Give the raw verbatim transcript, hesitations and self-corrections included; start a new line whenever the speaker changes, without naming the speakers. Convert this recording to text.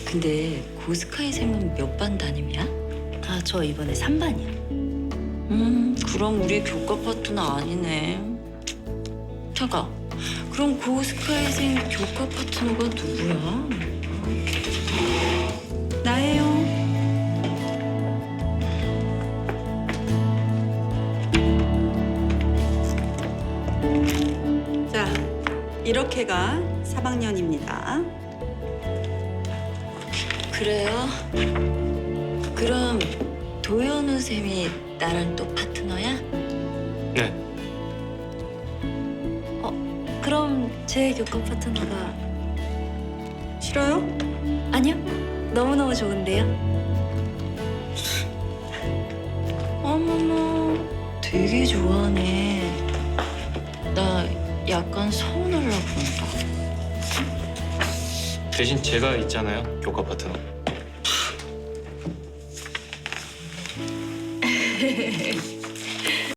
근데 고스카이 쌤은 몇 반 담임이야?
아, 저 이번에 삼 반이요.
음, 그럼 우리 교과 파트너 아니네. 잠깐, 그럼 고스카이 쌤 교과 파트너가 누구야?
나예요. 자, 이렇게가 삼 학년입니다.
그래요? 그럼 도현우 쌤이 나랑 또 파트너야?
네.
그럼 제 교과 파트너가
싫어요?
아니요. 너무너무 좋은데요.
어머머, 되게 좋아하네. 나 약간 서운하려고 그런다.
대신 제가 있잖아요, 교과 파트너.